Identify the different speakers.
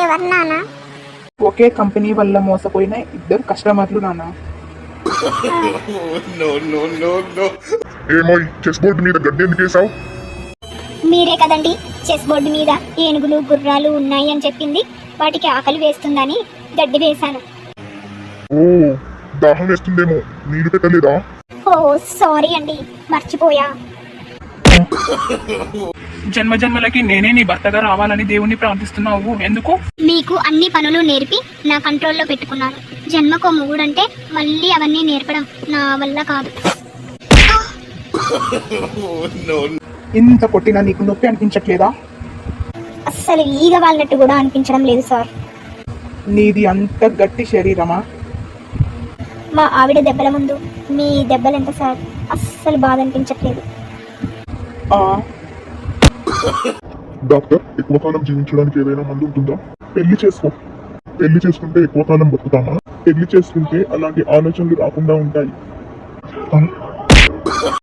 Speaker 1: ఎవరు నాన్న?
Speaker 2: ఒకే కంపెనీ వల్ల మోసపోయిన ఇద్దరు కస్టమర్లు నాన్న.
Speaker 3: ఏమో చెస్ బోర్డు మీద గడ్డి ఎందుకు వేసావు?
Speaker 1: మీరే కదండి చెస్ బోర్డు మీద ఏనుగులు గుర్రాలు ఉన్నాయి అని చెప్పింది. వాటికి ఆకలి వేస్తుందని గడ్డి వేశాను.
Speaker 3: ఓ దాహం వేస్తుందేమో, నీరు పెట్టలేదా?
Speaker 1: ఓ సారీ అండి, మర్చిపోయా.
Speaker 2: జన్మ జన్మలకి నేనే నీ భర్తగా రావాలని దేవుణ్ణి ప్రార్థిస్తున్నావు. ఎందుకు?
Speaker 1: మీకు అన్ని పనులు నేర్పి నా కంట్రోల్లో పెట్టుకున్నాను. జన్మకో మొగుడంటే మళ్ళీ అవన్నీ నేర్పడం నా వల్ల కాదు.
Speaker 2: ఇంత కొట్టినా నీకు నొప్పి అనిపించట్లేదా?
Speaker 1: అస్సలు ఈగ వాళ్ళనట్టు కూడా అనిపించడం లేదు సార్.
Speaker 2: నీది అంత గట్టి శరీరమా?
Speaker 1: మా ఆవిడ దెబ్బల ముందు మీ దెబ్బలెంత సార్? అస్సలు బాధ అనిపించట్లేదు.
Speaker 3: డాక్టర్, ఎక్కువ కాలం జీవించడానికి ఏదైనా మందు ఉంటుందా? పెళ్లి చేసుకో. పెళ్లి చేసుకుంటే ఎక్కువ కాలం బతుకుతామా? పెళ్లి చేసుకుంటే అలాంటి ఆలోచనలు రాకుండా ఉంటాయి.